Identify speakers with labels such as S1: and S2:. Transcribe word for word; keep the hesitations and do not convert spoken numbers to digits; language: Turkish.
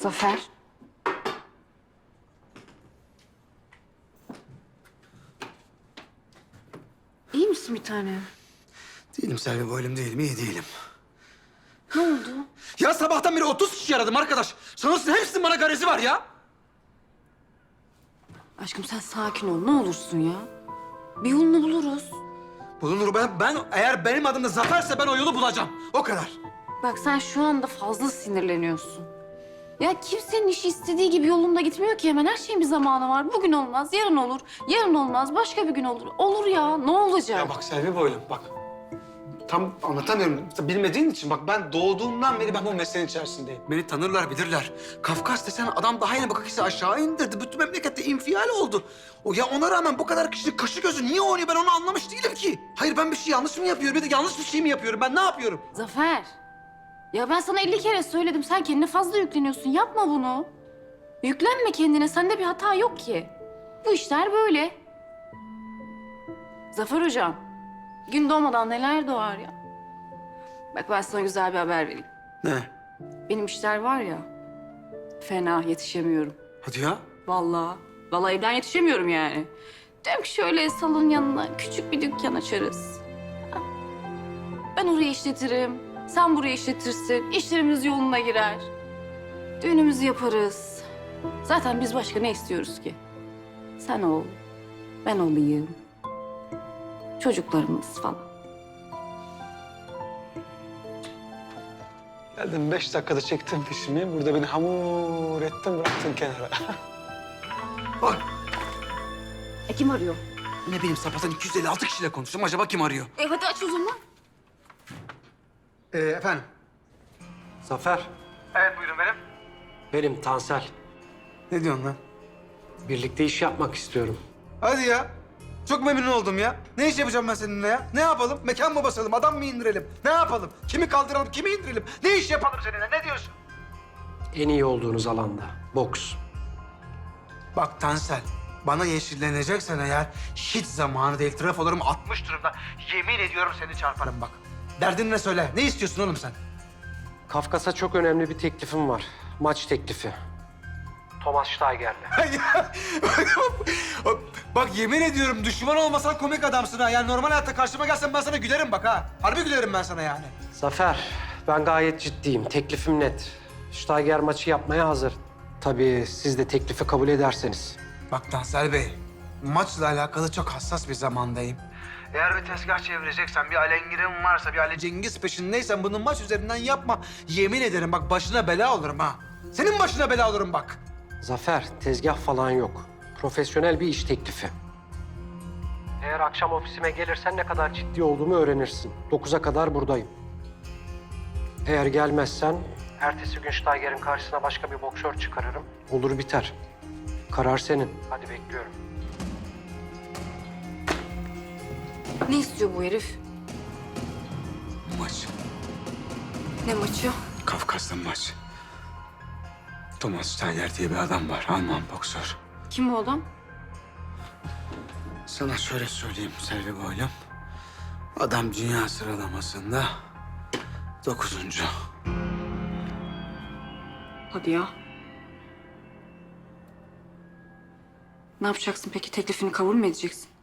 S1: Zafer. İyi misin bir tane?
S2: Değilim Selvi, boylum değilim, iyi değilim.
S1: Ne oldu?
S2: Ya sabahtan beri otuz kişi aradım arkadaş. Sanırsın hepsinin bana garezi var ya.
S1: Aşkım sen sakin ol ne olursun ya. Bir yolunu buluruz.
S2: Bulunur ben, ben eğer benim adım da Zafer'se ben o yolu bulacağım. O kadar.
S1: Bak sen şu anda fazla sinirleniyorsun. Ya kimsenin işi istediği gibi yolunda gitmiyor ki hemen. Her şeyin bir zamanı var. Bugün olmaz, yarın olur. Yarın olmaz, başka bir gün olur. Olur ya, ne olacak?
S2: Ya bak Selvi boylum bak. Tam anlatamıyorum. Bilmediğin için bak ben doğduğumdan beri ben bu mesleğin içerisindeyim. Beni tanırlar, bilirler. Kafkas desen adam daha yeni bakakisi aşağı indirdi. Bütün memlekette infial oldu. O ya ona rağmen bu kadar kişinin kaşı gözü niye oynuyor ben onu anlamış değilim ki. Hayır ben bir şey yanlış mı yapıyorum? Bir de yanlış bir şey mi yapıyorum? Ben ne yapıyorum?
S1: Zafer, ya ben sana elli kere söyledim. Sen kendine fazla yükleniyorsun. Yapma bunu. Yüklenme kendine. Sende bir hata yok ki. Bu işler böyle. Zafer hocam, gün doğmadan neler doğar ya. Bak ben sana güzel bir haber vereyim.
S2: Ne?
S1: Benim işler var ya, fena yetişemiyorum.
S2: Hadi ya.
S1: Vallahi, vallahi evden yetişemiyorum yani. Diyorum ki şöyle salon yanına küçük bir dükkan açarız. Ben orayı işletirim, sen burayı işletirsin. İşlerimiz yoluna girer. Düğünümüzü yaparız. Zaten biz başka ne istiyoruz ki? Sen ol, ben olayım. Çocuklarımız falan.
S2: Geldim beş dakikada çektim fişimi. Burada beni hamur ettin bıraktın kenara. Bak.
S1: E kim arıyor?
S2: Ne bileyim sapatan iki yüz elli altı kişiyle konuştum. Acaba kim arıyor?
S1: E hadi aç o zaman.
S2: Ee, efendim?
S3: Zafer,
S2: Evet buyurun benim.
S3: benim Tansel.
S2: Ne diyorsun lan?
S3: Birlikte iş yapmak istiyorum.
S2: Hadi ya. Çok memnun oldum ya. Ne iş yapacağım ben seninle ya? Ne yapalım? Mekan mı basalım? Adam mı indirelim? Ne yapalım? Kimi kaldıralım? Kimi indirelim? Ne iş yapalım seninle? Ne diyorsun?
S3: En iyi olduğunuz alanda, boks.
S2: Bak Tansel, bana yeşilleneceksen eğer hiç zamanı değil. Trafolarım atmış durumda. Yemin ediyorum seni çarparım bak. Derdin ne söyle? Ne istiyorsun oğlum sen?
S3: Kafkas'a çok önemli bir teklifim var. Maç teklifi. Thomas Steiger'le.
S2: Bak yemin ediyorum düşman olmasan komik adamsın ha. Yani normal hayatta karşıma gelsen ben sana gülerim bak ha. Harbi gülerim ben sana yani.
S3: Zafer, ben gayet ciddiyim. Teklifim net. Steiger maçı yapmaya hazır. Tabii siz de teklifi kabul ederseniz.
S2: Bak Tansel Bey, maçla alakalı çok hassas bir zamandayım. Eğer bir tezgah çevireceksen, bir alengirin varsa, bir Ale Cengiz peşindeysen bunu maç üzerinden yapma. Yemin ederim bak başına bela olurum ha. Senin başına bela olurum bak.
S3: Zafer, tezgah falan yok. Profesyonel bir iş teklifi. Eğer akşam ofisime gelirsen ne kadar ciddi olduğumu öğrenirsin. Dokuza kadar buradayım. Eğer gelmezsen ertesi gün Steiger'in karşısına başka bir boksör çıkarırım. Olur biter. Karar senin. Hadi bekliyorum.
S1: Ne istiyor bu herif?
S2: Maç.
S1: Ne maçı?
S2: Kafkas'ta maç. Thomas Steiner diye bir adam var, Alman boksör.
S1: Kim bu adam?
S2: Sana şöyle söyleyeyim Selvi Boylum. Adam dünya sıralamasında dokuzuncu.
S1: Hadi ya. Ne yapacaksın peki? Teklifini kabul mü edeceksin?